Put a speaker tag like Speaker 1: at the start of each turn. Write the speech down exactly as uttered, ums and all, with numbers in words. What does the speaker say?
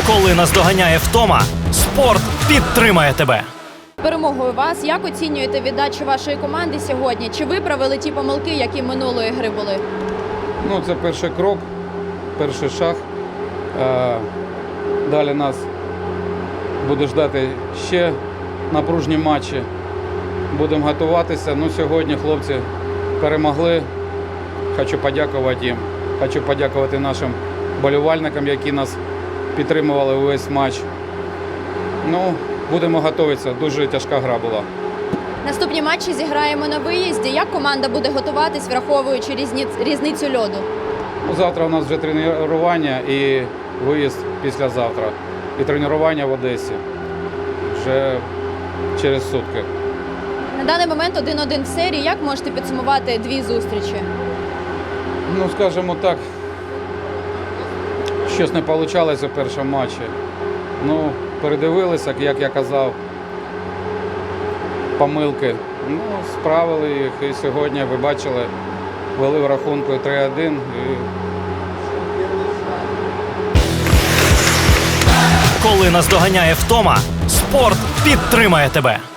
Speaker 1: Коли наздоганяє втома, спорт підтримає тебе.
Speaker 2: Перемогою вас, як оцінюєте віддачу вашої команди сьогодні? Чи виправили ті помилки, які минулої гри були?
Speaker 3: Ну, це перший крок, перший шаг. Е, Далі нас буде ждати ще напружні матчі. Будемо готуватися. Ну, сьогодні хлопці перемогли. Хочу подякувати їм. Хочу подякувати нашим болівальникам, які нас підтримували увесь матч. Ну, будемо готуватися. Дуже тяжка гра була.
Speaker 2: Наступні матчі зіграємо на виїзді. Як команда буде готуватись, враховуючи різні... різницю льоду?
Speaker 3: Ну, завтра у нас вже тренування і виїзд післязавтра. І тренування в Одесі вже через сутки.
Speaker 2: На даний момент один-один в серії. Як можете підсумувати дві зустрічі?
Speaker 3: Ну, скажімо так, щось не вийшло у першому матчі. Ну, передивилися, як я казав, помилки. Ну, справили їх і сьогодні, ви бачили, вели в рахунку три один. І...
Speaker 1: Коли наздоганяє втома, спорт підтримає тебе.